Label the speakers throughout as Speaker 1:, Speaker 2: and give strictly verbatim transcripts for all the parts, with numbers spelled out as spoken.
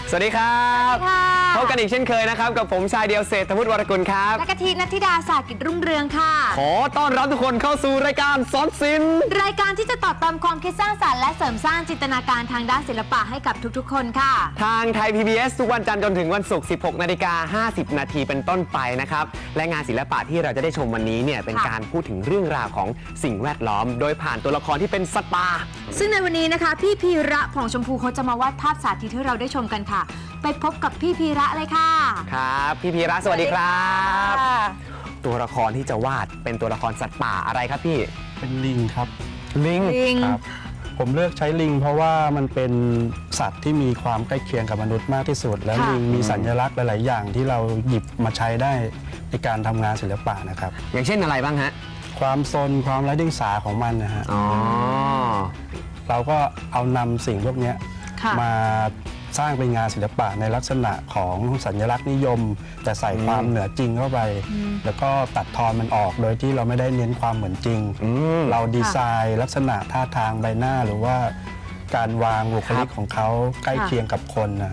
Speaker 1: สวัสดีครับพบกันอีกเช่นเคยนะครับกับผมชายเดียวเศรษฐวุฒิวรกุลครับ
Speaker 2: และกะทินัทธิดาสากิจรุ่งเรืองค่ะ
Speaker 1: ขอต้อนรับทุกคนเข้าสู่รายการสอนศิลป์
Speaker 2: รายการที่จะตอบเติมความคิดสร้างสรรค์และเสริมสร้างจินตนาการทางด้านศิลปะให้กับทุกๆคนค่ะ
Speaker 1: ทางไทย พี บี เอส ทุกวันจันทร์จนถึงวันศุกร์ สิบหกนาฬิกาห้าสิบนาทีเป็นต้นไปนะครับและงานศิลปะที่เราจะได้ชมวันนี้เนี่ยเป็นการพูดถึงเรื่องราวของสิ่งแวดล้อมโดยผ่านตัวละครที่เป็นสัตว์ป่า
Speaker 2: ซึ่งในวันนี้นะคะพี่พีระผ่องชมพูเขาจะมาวาดภาพสาธิตให้เราได้ชมกันค่ะไปพบกับพี่พีระเลยค่ะ
Speaker 1: ครับพี่พีระสวัสดีครับตัวละครที่จะวาดเป็นตัวละครสัตว์ป่าอะไรครับพี่
Speaker 3: เป็นลิงครับ
Speaker 1: ลิง
Speaker 3: ครับผมเลือกใช้ลิงเพราะว่ามันเป็นสัตว์ที่มีความใกล้เคียงกับมนุษย์มากที่สุดและลิงมีสัญลักษณ์หลายๆอย่างที่เราหยิบมาใช้ได้ในการทำงานศิลปะนะครับ
Speaker 1: อย่างเช่นอะไรบ้างฮะ
Speaker 3: ความซนความไร้เดียงสาของมันนะฮะ
Speaker 1: อ๋อ
Speaker 3: เราก็เอานำสิ่งพวกนี้มาสร้างเป็นงานศิลปะในลักษณะของสัญลักษณ์นิยมแต่ใส่ความเหนือจริงเข้าไปแล้วก็ตัดทอนมันออกโดยที่เราไม่ได้เน้นความเหมือนจริงเราดีไซน์ลักษณะท่าทางใบหน้าหรือว่าการวางบุคลิกของเขาใกล้เคียงกับคนนะ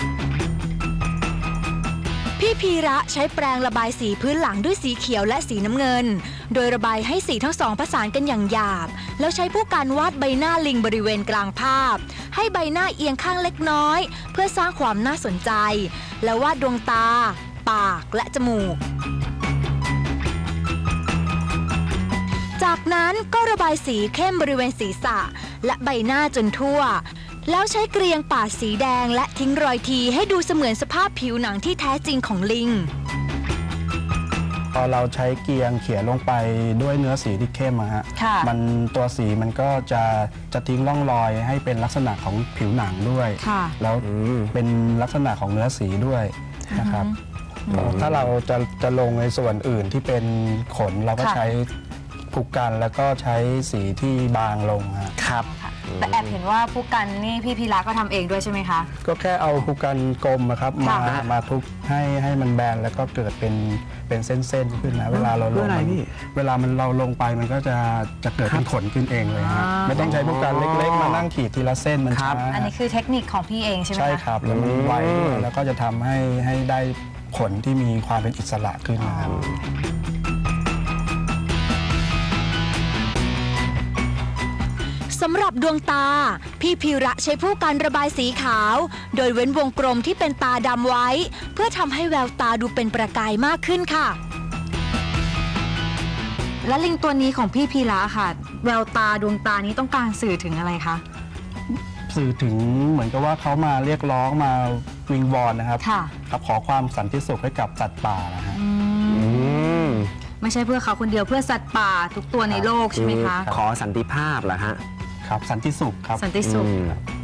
Speaker 4: พี่พีระใช้แปรงระบายสีพื้นหลังด้วยสีเขียวและสีน้ำเงินโดยระบายให้สีทั้งสองผสานกันอย่างหยาบแล้วใช้ผู้การวาดใบหน้าลิงบริเวณกลางภาพให้ใบหน้าเอียงข้างเล็กน้อยเพื่อสร้างความน่าสนใจแล้ววาดดวงตาปากและจมูกจากนั้นก็ระบายสีเข้มบริเวณศีรษะและใบหน้าจนทั่วแล้วใช้เกรียงปาดสีแดงและทิ้งรอยทีให้ดูเสมือนสภาพผิวหนังที่แท้จริงของลิง
Speaker 3: พอเราใช้เกรียงเขียนลงไปด้วยเนื้อสีที่เข้มอะฮะมันตัวสีมันก็จะจะทิ้งร่องรอยให้เป็นลักษณะของผิวหนังด้วยแล้วเป็นลักษณะของเนื้อสีด้วยนะครับถ้าเราจะจะลงในส่วนอื่นที่เป็นขนเราก็ใช้ผูกกันแล้วก็ใช้สีที่บางลง
Speaker 1: ครับ
Speaker 2: แต่แอบเห็นว่าผู้กันนี่พี่พีระก็ทำเองด้วยใช่ไหมคะ
Speaker 3: ก็แค่เอาผูกกันกลมนะครับมามาทุบให้ให้มันแบนแล้วก็เกิดเป็นเป็นเส้นๆขึ้นนะเวลาเราลงเวลามันเราลงไปมันก็จะจะเกิดเป็นขนขึ้นเองเลยฮะไม่ต้องใช้ผูกกันเล็กๆมานั่งขีดทีละเส้นมันช้า
Speaker 2: อันนี้คือเทคนิคของพี่เองใช่ไหมคะ
Speaker 3: ใช่ครับแล้วมันไวด้วยแล้วก็จะทำให้ให้ได้ขนที่มีความเป็นอิสระขึ้นนะครับ
Speaker 4: สำหรับดวงตาพี่พีระใช้ผู้กันระบายสีขาวโดยเว้นวงกลมที่เป็นตาดำไว้เพื่อทำให้แววตาดูเป็นประกายมากขึ้นค่ะ
Speaker 2: และลิงตัวนี้ของพี่พีระค่ะแววตาดวงตานี้ต้องการสื่อถึงอะไรคะ
Speaker 3: สื่อถึงเหมือนกับว่าเขามาเรียกร้องมาวิงวอนนะครับครับขอความสันติสุขให้กับสัตว์ป่านะฮะ
Speaker 2: ไม่ใช่เพื่อเขาคนเดียวเพื่อสัตว์ป่าทุกตัวในโลกใช่ไหมคะ
Speaker 1: ขอสันติภาพเหรอฮะ
Speaker 3: ครับสันติสุขครับ
Speaker 2: สันติสุข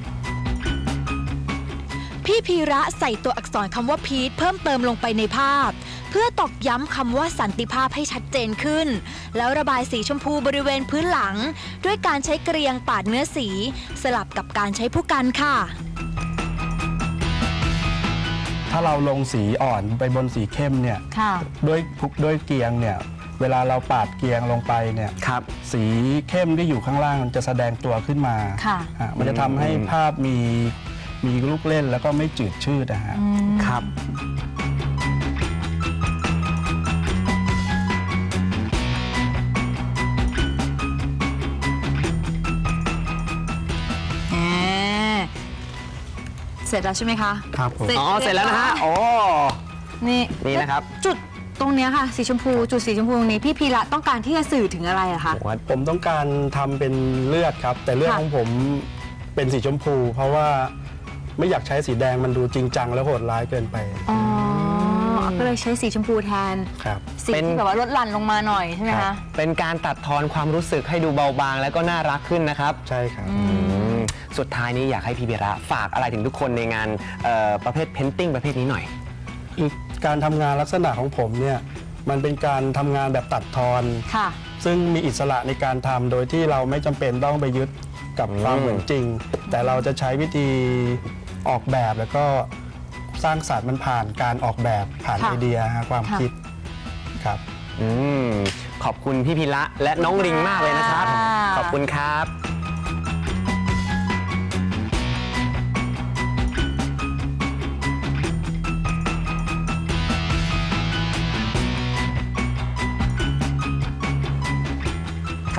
Speaker 4: พี่พีระใส่ตัวอักษรคำว่าพีทเพิ่มเติมลงไปในภาพเพื่อตอกย้ำคำว่าสันติภาพให้ชัดเจนขึ้นแล้วระบายสีชมพูบริเวณพื้นหลังด้วยการใช้เกรียงปาดเนื้อสีสลับกับการใช้ผู้กันค่ะ
Speaker 3: ถ้าเราลงสีอ่อนไปบนสีเข้มเนี่ยด้วยด้วยเกรียงเนี่ยเวลาเราปาดเกรียงลงไปเนี่ยสีเข้มที่อยู่ข้างล่างจะแสดงตัวขึ้นมามันจะทำให้ภาพมีมีลูกเล่นแล้วก็ไม่จืดชืดนะฮะ
Speaker 1: ครับ
Speaker 2: เสร็จแล้วใช่ไหมคะ
Speaker 3: ครับ
Speaker 1: อ๋อเสร็จแล้วนะฮะโอ้
Speaker 2: นี่
Speaker 1: นี่นะครับ
Speaker 2: จุดตรงนี้ค่ะสีชมพูจุดสีชมพูตรงนี้พี่พีระต้องการที่จะสื่อถึงอะไรอะคะ
Speaker 3: ผมต้องการทำเป็นเลือดครับแต่เลือดของผมเป็นสีชมพูเพราะว่าไม่อยากใช้สีแดงมันดูจริงจังและโหดร้ายเกินไป
Speaker 2: อ๋อก็เลยใช้สีชมพูแทน
Speaker 3: ครับ
Speaker 2: สีที่แบบว่าลดหลั่นลงมาหน่อยใช่ไหมคะ
Speaker 1: เป็นการตัดทอนความรู้สึกให้ดูเบาบางแล้วก็น่ารักขึ้นนะครับ
Speaker 3: ใช่ครับ
Speaker 1: สุดท้ายนี้อยากให้พี่พีระฝากอะไรถึงทุกคนในงานประเภทเพนติ้งประเภทนี้หน่อย
Speaker 3: การทำงานลักษณะของผมเนี่ยมันเป็นการทำงานแบบตัดทอนซึ่งมีอิสระในการทำโดยที่เราไม่จำเป็นต้องไปยึดกับความเหมือนจริงแต่เราจะใช้วิธีออกแบบแล้วก็สร้างสรรค์มันผ่านการออกแบบผ่านไอเดียความคิดครับ
Speaker 1: อืมขอบคุณพี่พีระและน้องริงมากเลยนะครับขอบคุณครับ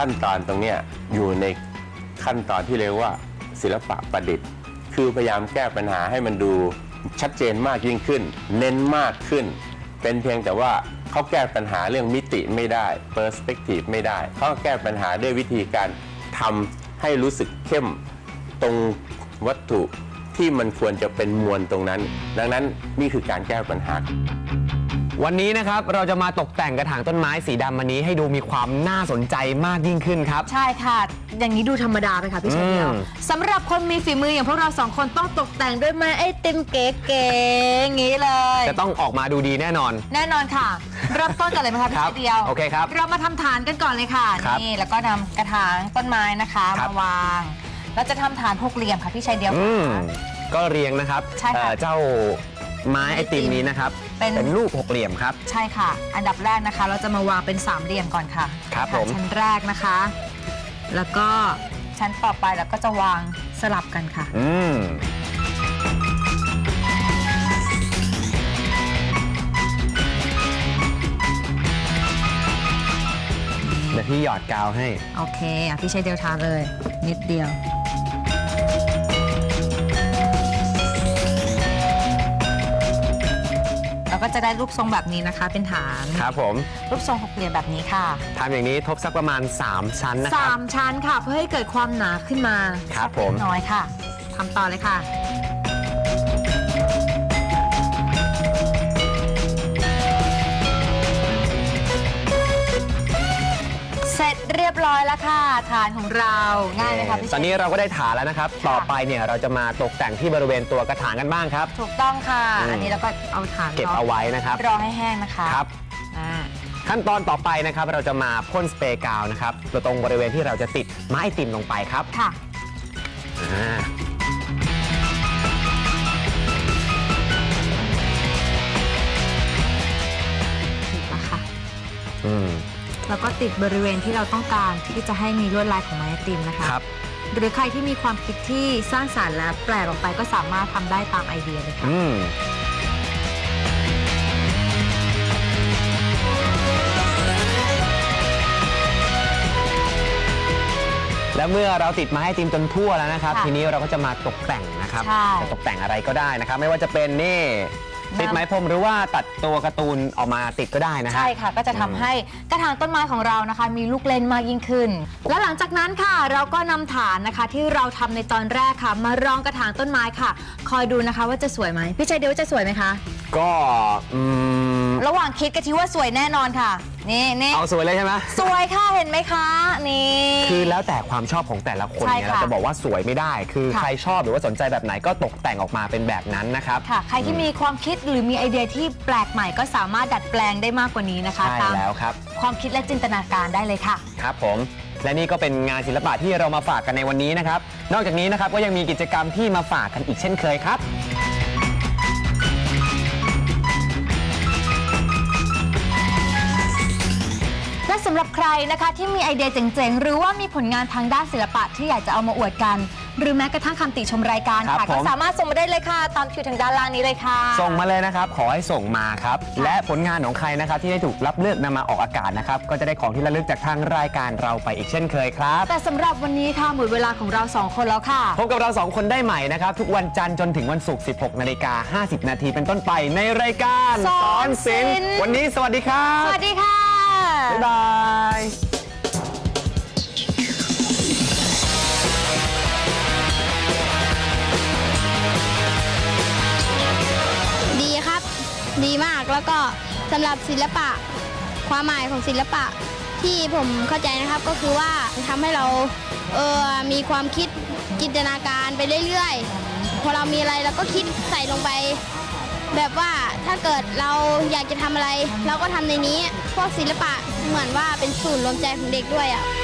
Speaker 5: ขั้นตอนตรงเนี้ยอยู่ในขั้นตอนที่เรียกว่าศิลปะประดิษฐ์คือพยายามแก้ปัญหาให้มันดูชัดเจนมากยิ่งขึ้นเน้นมากขึ้นเป็นเพียงแต่ว่าเขาแก้ปัญหาเรื่องมิติไม่ได้ perspective ไม่ได้เขาแก้ปัญหาด้วยวิธีการทำให้รู้สึกเข้มตรงวัตถุที่มันควรจะเป็นมวลตรงนั้นดังนั้นนี่คือการแก้ปัญหา
Speaker 1: วันนี้นะครับเราจะมาตกแต่งกระถางต้นไม้สีดำอันนี้ให้ดูมีความน่าสนใจมากยิ่งขึ้นครับ
Speaker 2: ใช่ค่ะอย่างนี้ดูธรรมดาไปค่ะพี่ชายเดียวสำหรับคนมีฝีมืออย่างพวกเราสองคนต้องตกแต่งด้วยไม้ไอติมเก๋ๆอย่างนี้เลย
Speaker 1: จะต้องออกมาดูดีแน่นอน
Speaker 2: แน่นอนค่ะเริ่มต้นกันเลยไหมคะพี่ชายเดียว
Speaker 1: โอเคครับ
Speaker 2: เรามาทำฐานกันก่อนเลยค่ะนี่แล้วก็นำกระถางต้นไม้นะคะมาวางแล้วจะทำฐานหกเหลี่ยมค่ะพี่ชายเดียว
Speaker 1: ก็เรียงนะครับเจ้าไม้ไอติมนี้นะครับเป็นรูปหกเหลี่ยมครับ
Speaker 2: ใช่ค่ะอันดับแรกนะคะเราจะมาวางเป็นสามเหลี่ยมก่อนค่ะ
Speaker 1: ครับผม
Speaker 2: ชั้นแรกนะคะแล้วก็ชั้นต่อไปแล้วก็จะวางสลับกันค่ะ
Speaker 1: อืมเดี๋ยวพี่หยอดกาวให้
Speaker 2: โอเคอ่ะพี่ใช้เดียวทาเลยนิดเดียวแล้วก็จะได้รูปทรงแบบนี้นะคะเป็นฐาน
Speaker 1: ครับผม
Speaker 2: รูปทรงหกเหลี่ยมแบบนี้ค่ะ
Speaker 1: ทำอย่างนี้ทบสักประมาณสามชั้นนะครับ
Speaker 2: สามชั้นค่ะเพื่อให้เกิดความหนาขึ้นมา
Speaker 1: ครับผม
Speaker 2: น้อยค่ะทำต่อเลยค่ะเสร็จเรียบร้อยแล้วค่ะฐานของเราง่ายไหมคะพี่
Speaker 1: ตอนนี้เราก็ได้ฐานแล้วนะครับต่อไปเนี่ยเราจะมาตกแต่งที่บริเวณตัวกระถางกันบ้างครับ
Speaker 2: ถูกต้องค่ะอันนี้เราก็เอาฐาน
Speaker 1: เก็บเอาไว้นะครับ
Speaker 2: รอให้แห้งนะคะ
Speaker 1: ครับขั้นตอนต่อไปนะครับเราจะมาพ่นสเปรย์กาวนะครับตรงบริเวณที่เราจะติดไม้ไอติมลงไปครับ
Speaker 2: ค่ะติดแล้วค่ะ
Speaker 1: อืม
Speaker 2: แล้วก็ติดบริเวณที่เราต้องการที่จะให้มีลวดลายของไม้ไอติมนะคะ
Speaker 1: ครับ
Speaker 2: หรือใครที่มีความคิดที่สร้างสรรค์และแปลกออกไปก็สามารถทำได้ตามไอเดียเลยค่ะ
Speaker 1: แล้วเมื่อเราติดไม้ไอติมจนทั่วแล้วนะครับทีนี้เราก็จะมาตกแต่งนะครับจะตกแต่งอะไรก็ได้นะครับไม่ว่าจะเป็นนี่ติดไม้พรมหรือว่าตัดตัวการ์ตูนออกมาติดก็ได้นะ
Speaker 2: ใช่ค่ะก็จะทำให้กระถางต้นไม้ของเรานะคะมีลูกเล่นมากยิ่งขึ้นและหลังจากนั้นค่ะเราก็นำฐานนะคะที่เราทำในตอนแรกค่ะมารองกระถางต้นไม้ค่ะคอยดูนะคะว่าจะสวยไหมพี่ชัยเดียวจะสวยไหมคะ
Speaker 1: ก็
Speaker 2: ระหว่างคิดก็คิดว่าสวยแน่นอนค่ะนี่นี่
Speaker 1: เอาสวยเลยใช่ไหม
Speaker 2: สวยค่ะเห็นไหมคะนี่
Speaker 1: คือแล้วแต่ความชอบของแต่ละคนเนี่ยเราจะบอกว่าสวยไม่ได้คือใครชอบหรือว่าสนใจแบบไหนก็ตกแต่งออกมาเป็นแบบนั้นนะครับ
Speaker 2: ค่ะใครที่มีความคิดหรือมีไอเดียที่แปลกใหม่ก็สามารถดัดแปลงได้มากกว่านี้นะคะ
Speaker 1: ใช่แล้วครับ
Speaker 2: ความคิดและจินตนาการได้เลยค่ะ
Speaker 1: ครับผมและนี่ก็เป็นงานศิลปะที่เรามาฝากกันในวันนี้นะครับนอกจากนี้นะครับก็ยังมีกิจกรรมที่มาฝากกันอีกเช่นเคยครับ
Speaker 2: และสำหรับใครนะคะที่มีไอเดียเจ๋งๆหรือว่ามีผลงานทางด้านศิลปะที่อยากจะเอามาอวดกันหรือแม้กระทั่งคำติชมรายการค่ะก็สามารถส่งมาได้เลยค่ะตามคิวทางด้านล่างนี้เลยค่ะ
Speaker 1: ส่งมาเลยนะครับขอให้ส่งมาครับและผลงานของใครนะครับที่ได้ถูกรับเลือกนำมาออกอากาศนะครับก็จะได้ของที่ระลึกจากทางรายการเราไปอีกเช่นเคยครับ
Speaker 2: แต่สำหรับวันนี้ค่ะหมดเวลาของเราสองคนแล้วค่ะ
Speaker 1: พบกับเราสองคนได้ใหม่นะครับทุกวันจันทร์จนถึงวันศุกร์ สิบหกนาฬิกาห้าสิบนาทีเป็นต้นไปในรายการ
Speaker 2: สอนศิลป์
Speaker 1: วันนี้สวัสดีครับ
Speaker 2: สวัสดีค่ะ
Speaker 1: บ๊ายบาย
Speaker 6: ดีครับดีมากแล้วก็สำหรับศิลปะความหมายของศิลปะที่ผมเข้าใจนะครับก็คือว่าทำให้เราเออมีความคิดจินตนาการไปเรื่อยๆพอเรามีอะไรเราก็คิดใส่ลงไปแบบว่าถ้าเกิดเราอยากจะทำอะไรเราก็ทำในนี้พวกศิลปะเหมือนว่าเป็นศูนย์รวมใจของเด็กด้วยอ่ะ